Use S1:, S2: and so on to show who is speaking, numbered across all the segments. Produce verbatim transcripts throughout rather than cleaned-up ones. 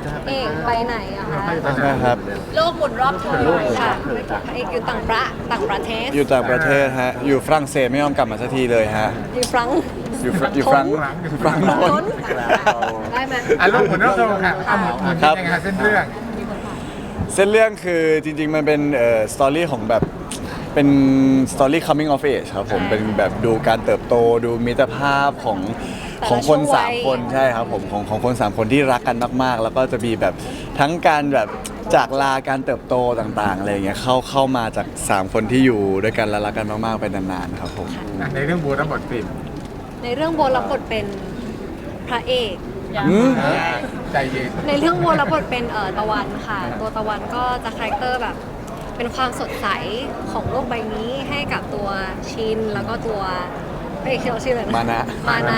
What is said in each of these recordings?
S1: เอกไปไหนอะคะ
S2: นะครับ
S3: โลกหมุนรอบเธอ
S1: ค่ะเอกอยู่ต่างประต่างประเทศ
S2: อยู่ต่างประเทศฮะอยู่ฝรั่งเศสไม่ยอมกลับมาสักทีเลยฮะ
S1: อยู่ฟรังก์
S2: อยู่ฟรอยู่ฝรั่งฝรั่ง
S1: ฟรัง
S2: โน้
S1: ก์
S2: น
S1: ได้ไหม
S4: อ่ะลูกหมุนรอบโลกค่ะอ่ะหมุนหมุน
S2: ครับ
S4: ยังไงคะเส้นเรื่อง
S2: เส้นเรื่องคือจริงๆ มันเป็นเอ่อสตอรี่ของแบบเป็นสตอรี่ coming of age ครับผมเป็นแบบดูการเติบโตดูมิตรภาพของของคนสามคนใช่ครับผมของของคนสามคนที่รักกันมากๆ แล้วก็จะมีแบบทั้งการแบบจากลาการเติบโตต่างๆอะไรอย่างเงี้ยเข้าเข้ามาจากสามคนที่อยู่ด้วยกันและรักกันมากๆไปนานๆครับผม
S4: อ่ะในเรื่องบูรับบทเป็น
S1: ในเรื่องโบรับบทเป็นพระเอก
S2: อืม
S4: ใจเย็น
S1: ในเรื่องโบรับบทเป็นเอ่อตะวันค่ะ ตัวตะวันก็จะคาแรคเตอร์แบบ เป็นความสดใสของโลกใบนี้ให้กับตัวชินแล้วก็ตัวเอ้ยเขาชื่ออะไรนะ
S2: มานะ
S1: มานะ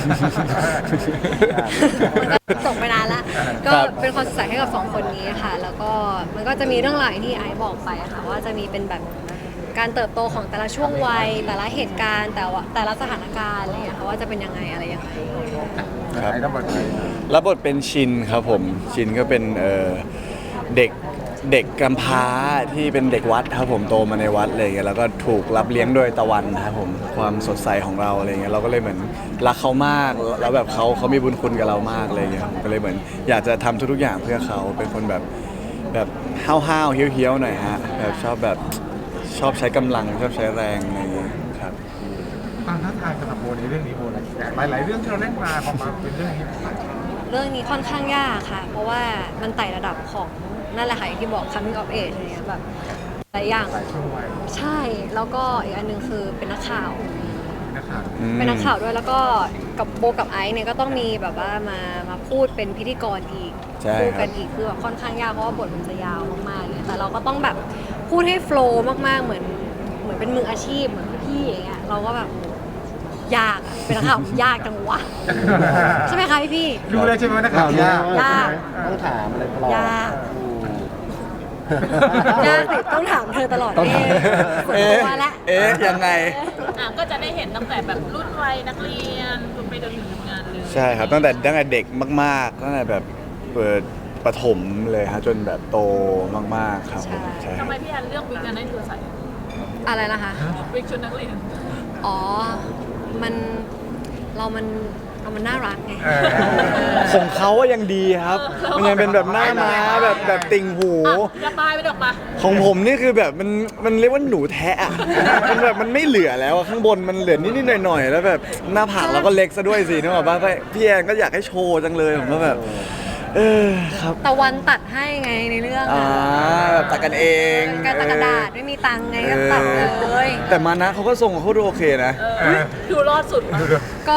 S1: มันก็จบไปนานละก็
S2: ครับ
S1: เป็นความสดใสให้กับสองคนนี้ค่ะ แล้วก็มันก็จะมีเรื่องราวอย่างที่ไอซ์บอกไปค่ะ ว่าจะมีเป็นแบบการเติบโตของแต่ละช่วงวัย แต่ละเหตุการณ์แต่ว่าแต่ละสถานการณ์อะไรอย่างเงี้ยค่ะว่าจะเป็นยังไงอะไรยังไง
S2: ครับ
S4: ไอ้รับบทเป็น
S2: รับบทเป็นชินครับผมชินก็เป็นเอ่อเด็กเด็กกำพร้าที่เป็นเด็กวัดครับผมโตมาในวัดอะไรเงี้ยแล้วก็ถูกรับเลี้ยงโดยตะวันครับผมความสดใสของเราอะไรเงี้ยเราก็เลยเหมือนรักเขามากแล้วแบบเขาเขามีบุญคุณกับเรามากอะไรเงี้ยผมก็เลยเหมือนอยากจะทำทุกๆอย่างเพื่อเขาเป็นคนแบบแบบห้าวๆเฮี้ยวๆหน่อยฮะแบบชอบแบบชอบใช้กำลังชอบใช้แรงอะไรเงี้ยครับ
S4: ความท้าทายสำหรับโบในเรื่องนี้โบนะหลายหลายๆเรื่องที่เราเล่นมาพอมาเป็นเรื่องนี้
S1: เรื่องนี้ค่อนข้างยากค่ะ เพราะว่ามันไต่ระดับของนั่นแหละค่ะอย่างที่บอก coming of age อะไรเงี้ยแบบหลายอย่าง
S4: หลายช่วงวัย
S1: ใช่ แล้วก็อีกอันหนึงคือเป็นนักข่าว
S4: นะครับ
S1: เป็นนักข่าวด้วยแล้วก็กับโบกับไอซ์เนี่ยก็ต้องมีแบบว่ามามาพูดเป็นพิธีกรอีก
S2: ใช่
S1: พูด
S2: ครั
S1: กับ นอีกคือแบบค่อนข้างยากเพราะว่าบทมันจะยาวมากๆเนี่ยแต่เราก็ต้องแบบพูดให้โฟล์มากๆเหมือนเหมือนเป็นมืออาชีพเหมือนพี่ๆอย่างเงี้ยเราก็แบบยากอะเป็นนักข่าวยากจังวะใช่ไหมคะพี่พี่
S4: ดูเลยใช่ไหมนักข่าวยาก
S1: ยาก
S5: ต้องถามอะไรตลอด
S1: ยากยากสิต้องถามเธอตลอด
S2: ต้อง
S1: เอ๊ะส่วน
S2: เอ๊ะ
S1: ตัวละ
S2: เอ๊ะยังไง
S3: อ่ะก็จะได้เห็นตั้งแต่แบบรุ่นวัยนักเรียนจนไปจนถึงทำงานเลย
S2: ใช่ครับตั้งแต่ตั้งแต่เด็กมากๆตั้งแต่แบบเปิดประถมเลยฮะจนแบบโตมากๆครับผมใช่ค
S3: ทำ
S2: รับ
S3: ไมพี่แอนเลือกวิกนั้นให้เธอใส่
S1: อะไรนะคะ
S3: วิกชุดนักเรียน
S1: อ๋อ มัน เรามันเรามันน่ารักไง
S4: เออ
S2: ของเขาอะยังดีครับมันยังเป็นแบบหน้าม้าแบบแบบติ่งหู
S3: อ่ะระบายไปดอกมา
S2: ของผมนี่คือแบบมันมันเรียกว่าหนูแทะอะมันแบบมันไม่เหลือแล้วอะข้างบนมันเหลือนิดๆหน่อยๆแล้วแบบหน้าผากเราก็เล็กซะด้วยสินึกออกป่ะพี่แอนก็อยากให้โชว์จังเลยผมก็แบบ เออครับ
S1: ตะวันตัดให้ไงในเรื่อง
S2: อ่า
S1: อะ
S2: แบบตัดกันเอง
S1: การตัดกระดาษไม่มีตังค์ไงก็ตัดเลย
S2: แต่มานะเขาก็ทรงเขาดูโอเคนะ
S3: เออดูรอดสุดมั้ย
S1: ก็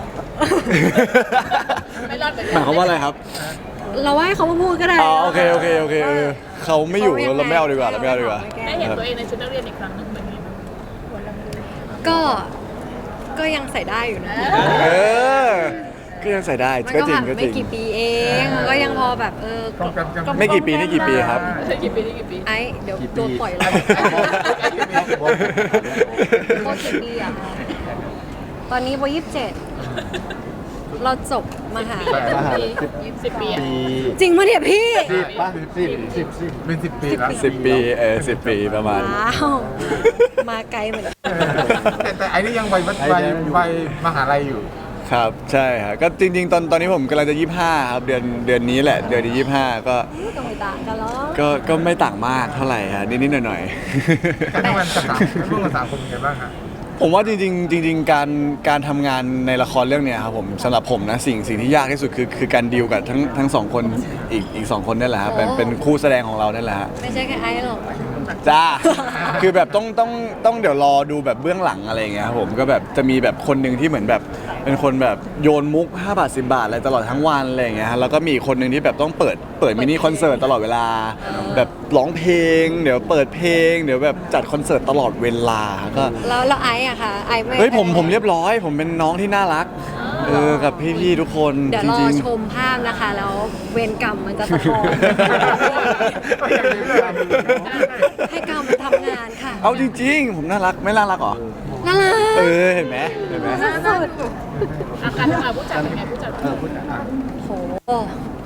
S3: ไม่รอดเหมือน
S2: หมายความว่าอะไรครับ
S1: เราว่าให้เขามาพูดก็ได้
S2: อ๋อโอเคโอเคโอเคเออเขาไม่อยู่เราไม่เอาดีกว่าเราไม่เอาดีกว่า
S3: ได้เห็นตัวเองในชุดนักเรียนอีกครั้งหนึงเหมือนนี้
S1: ก็ ก็ยังใส่ได้อยู่นะ
S2: เออ ก็ยังใส่ได้
S1: มัน
S2: ก็
S1: ก็
S2: จริง
S1: ผ่าน
S2: ก็จ
S1: ไม่
S2: ริง
S1: กี่ปีเองมันก็ยังพอแบบเออ
S2: ไม่กี่ปีนี่กี่ปีครับ
S3: กี่ปีนี่กี่ปี
S1: ไอ้เดี๋ยวโดนปล่อยแล้วโบกี่ปีอะคะตอนนี้โบยี่สิบเจ็ดเราจบมหา
S4: แปด
S3: สิบปีสิบปีอะ
S5: ปี
S1: จริงปะเนี่ยพี่
S5: สิบป่ะสิบสิบสิบ
S4: เป็นสิบปีแล้ว
S2: สิบปีเออสิบปีประมาณ
S1: ว้าว มาไกลเหมือนกัน
S4: แต่แต่ไอ้นี่ยังวัยวัยวัยวัยมหาลัยอยู่
S2: ครับใช่ครับก็จริง ๆ ตอนตอนนี้ผมกำลังจะยี่สิบห้าครับเดือนเดือนนี้แหละเดือนที่ยี่สิบห้าก็
S1: ก็ไม่ต่างกันหรอก
S2: ก็ก็ไม่ต่างมากเท่าไหร่ฮะนิดๆหน่อย
S4: แต่ทำงานกับสามร่วมกับสามคนเป็นไงบ้างฮะ
S2: ๆ ผมว่าจริงๆจริง ๆ การการทำงานในละครเรื่องเนี้ยครับผมสำหรับผมนะสิ่งสิ่งที่ยากที่สุดคือคือการดีลกับทั้งทั้งสองคนอีกอีกสองคนนี่แหละครับเป็นเป็นคู่แสดงของเรานั่นแหละฮะ
S1: ไม่ใช่แค่ไอ้หรอก
S2: จ้า คือแบบต้องต้องต้องเดี๋ยวรอดูแบบเบื้องหลังอะไรอย่างเงี้ยครับผมก็แบบจะมีแบบคนหนึ่งที่เหมือนแบบเป็นคนแบบโยนมุกห้าบาทสิบบาทอะไรตลอดทั้งวันอะไรอย่างเงี้ยฮะแล้วก็มีอีกคนหนึ่งที่แบบต้องเปิดเปิดมินิคอนเสิร์ตตลอดเวลา แบบร้องเพลง เดี๋ยวเปิดเพลง เดี๋ยวแบบจัดคอนเสิร์ตตลอดเวลาก็
S1: แล้วแล้วไอ้อะค่ะไอ้ไม่
S2: เฮ้ยผมผมเรียบร้อย ผมเป็นน้องที่น่ารักเออกับพี่ๆทุกคน
S1: เดี๋ยว
S2: จ
S1: รอ
S2: ริง
S1: ชมภาพนะคะ แล้วเวรกรรมมันจะสะท้อน ให้กรรมมันทำงานค่ะ
S2: ๆ เอาจริง ๆ ผมน่ารักไม่น่ารักเหรอ
S1: น่ารัก
S2: เออเห็นไหมเห็นไหม
S1: สุด
S3: อาการทำงานผู้จัดเป็นไงผู้จัด
S5: เออพูดอ่ะ
S1: ๆโห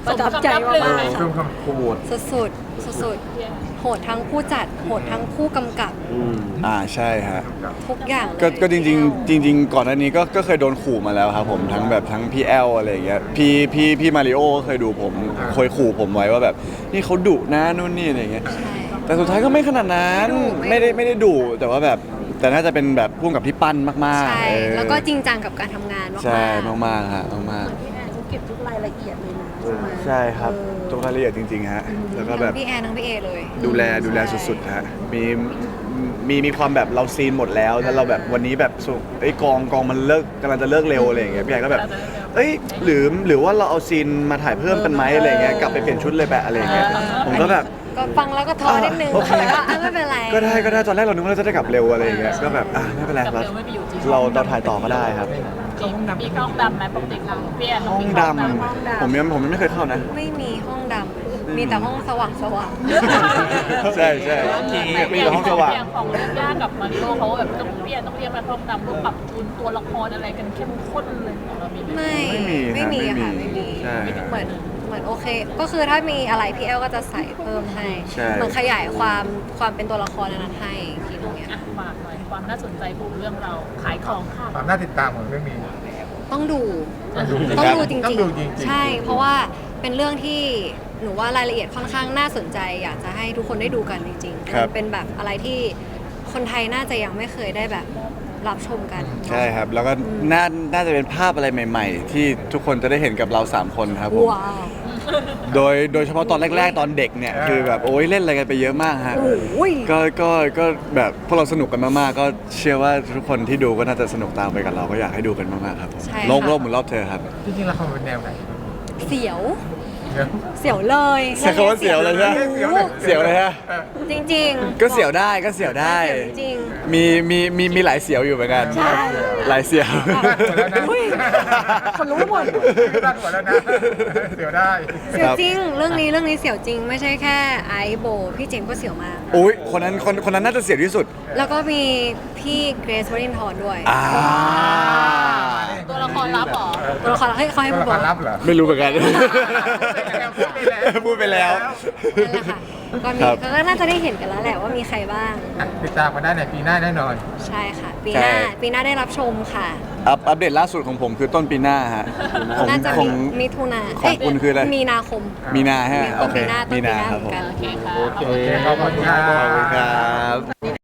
S1: ประทับใจมากๆค่ะ
S4: เพิ่มคำพูด
S1: สุดๆสุดๆโหดทั้งผู้จัดโหดทั้งผู้กำกับ
S5: อืม
S2: อ่าใช่ฮะ
S1: ทุกอย่างเลย
S2: ก็ก็จริงๆจริง ๆ ก่อนหน้านี้ก็ก็เคยโดนขู่มาแล้วครับผมทั้งแบบทั้งพี่แอลอะไรอย่างเงี้ยพี่พี่พี่มาริโอเคยดูผมเคยขู่ผมไว้ว่าแบบนี่เขาดุนะนู่นนี่อะไรอย่างเงี้ย
S1: ใช่
S2: แต่สุดท้ายก็ไม่ขนาดนั้น
S1: ไม่
S2: ไม่
S1: ดุ
S2: ได้ไม่ได้ดุแต่ว่าแบบแต่น่าจะเป็นแบบพุ่งกับที่ปั้นมาก
S1: ใช่
S2: ๆเออ
S1: แล้วก็จริงจังกับการทำงานมากๆ
S2: ใช่มากๆฮะมาก
S6: พี่แอนเขาเก็บทุกรายละเอียดเลยนะใช่ไหม
S2: ๆใช่ครับทุกรายละเอียดจริงๆฮะแล้วก็แบบ
S1: ทั้งพี่แอนทั้งพี่เอเลย
S2: ดูแลดูแลสุดๆฮะมีมีมีความแบบเราซีนหมดแล้วแล้วเราแบบวันนี้แบบสุไอ้ยกองกองมันเลิกกำลังจะเลิกเร็วอะไรอย่างเงี้ยพี่แอนก็แบบเอ้ยหรือหรือว่าเราเอาซีนมาถ่ายเพิ่มกันไหมอะไรอย่างเงี้ยกลับไปเปลี่ยนชุดเลยแบบอะไรอย่างเงี้ยผมก็แบบ
S1: ก็ฟังแล้วก็ท้อนิดนึง
S2: โอเค
S1: แต่ก็อ่ะไม่เป็นไร
S2: ก็ได้ก็ได้ตอนแรกเรานึกว่าเราจะได้กลับเร็วอะไรอย่างเงี้ยก็แบบอ่ะไม่เป็นไร
S3: กับ
S2: เรา
S3: เร็วไม่มีอยู่จริง
S2: เราเราถ่ายต่อก็ได้ครับ
S3: มีมีห้องดำไหมปกติเราเปลี่ยน
S2: ห้องดำผมยังผมยังไม่เคยเข้านะ
S1: ไม่มีห้องดำมีแต่ห้องสว่างสว่าง
S2: ใช่ใช่มีแต่ห้องสว่าง
S3: อย่างของเรื่องยากกับมาริโอเขาแบบต้องเปลี่ยนต้องเรียกมาห้องดำต้องปรับจูนตัวละครอะไรกันเข้มข้นเลยของเรามีไหม
S1: ไม่
S2: ไม่มี
S1: ไม่มี
S2: ครับ
S1: ค่ะ
S2: ไม่
S1: ไม่
S2: มี
S1: มี
S2: ใช่
S1: เหมือนเหมือนโอเค ก็คือถ้ามีอะไรพี่แอลก็จะใส่เพิ่มให้
S2: ใช่
S1: เหมือนขยายความความเป็นตัวละครนั้นให้อีกทีนึงเนี่ย
S3: อ่ะฝากหน่อยความน่าสนใจของเรื่องเราขายของค่ะ
S4: ความน่าติดตามของเรื่องนี้
S1: ต้องดู
S4: ต้องดู
S1: ต้องดูจ
S4: ต้อ
S1: ริ
S4: ง
S1: ง
S4: ดูจริงๆ
S1: ๆ ใช่ เพราะว่าเป็นเรื่องที่หนูว่ารายละเอียดค่อนข้างน่าสนใจ อยากจะให้ทุกคนได้ดูกันจริงๆ
S2: ครับ
S1: มันเป็นแบบอะไรที่คนไทยน่าจะยังไม่เคยได้แบบรับชมกัน
S2: ใช่ครับ แล้วก็น่าน่าจะเป็นภาพอะไรใหม่ ๆ ที่ทุกคนจะได้เห็นกับเราสามคนครับผม
S1: ว้าว
S2: โดยโดยเฉพาะตอนแรก ๆ ตอนเด็กเนี่ยคือแบบโอ้ยเล่นอะไรกันไปเยอะมากฮะ
S1: โอ้ย
S2: ก็ก็ก็แบบพวกเราสนุกกันมากๆ ก็เชื่อว่าทุกคนที่ดูก็น่าจะสนุกตามไปกับเราก็อยากให้ดูกันมากๆครับผม
S1: ใช่
S2: โลก
S1: ค่ะ
S2: โลกเหมือนรอบเธอครับ
S4: จริงๆละครเป็นแนวไหน
S1: เสียว
S4: เดี๋ยว
S1: เสียวเลย
S2: ใช้คำว่าเสียวเลยใช่ไหม
S4: เสียวเลย
S2: เสียวเลยฮะ
S4: ออ
S1: จริงๆ
S2: ก็เสียวได้ก็เสียวได้
S1: เสียวจริง
S2: มีมีมีมีหลายเสียวอยู่เหมือนกัน
S1: ใช่
S2: หลายเสียว
S1: อุ้ยคนรู้หมด
S4: ตั้งหัวแล้วนะเดี๋ยวได้
S1: เสียวจริง เรื่องนี้เรื่องนี้เสียวจริง ไม่ใช่แค่ไอซ์โบ พี่เจมส์ก็เสียวมาก
S2: อุ้ยคนนั้นคนคนนั้นน่าจะเสียวที่สุด
S1: แล้วก็มีพี่เกรซวรินทร์ด้วย
S2: อ่า
S3: ตัวละครลับเหรอ
S1: ตัวละครให้เขาให้
S4: ตัว
S1: พูด
S4: ละค
S1: บอ
S4: ร
S1: ก
S4: ลับเหรอ
S2: ไม่รู้เหมือนกัน
S4: พูดไปแล้ว
S2: พูดไปแล้ว
S1: นั่นแหละค่ะก็มี
S2: ครับ
S1: เขาก็น่าจะได้เห็นกันแล้วแหละว่ามีใครบ้าง
S4: อ่ะติดตามมาได้ในปีหน้าแน่นอน
S1: ใช่ค่ะ ปีหน้า
S2: ใช่
S1: ปีหน้าได้รับชมค่ะ
S2: อัปอัปเดตล่าสุดของผมคือต้นปีหน้าฮะของ
S1: น่าจะ
S2: ขอ
S1: มี
S2: ง
S1: มิถุนา
S2: ของคุณคืออะไร
S1: มีนาคม
S2: มีนาฮะ
S1: ต้
S2: โอน เค
S1: ปีหน้าต้น
S2: มี
S1: ปี
S2: นา
S1: หน้า
S2: ครับ
S1: เหมื
S2: ผ
S1: อน
S2: ม
S1: กัน
S3: โอเคค่ะ
S5: โอเค
S4: ขอบคุณครับ
S2: ขอบคุณครับ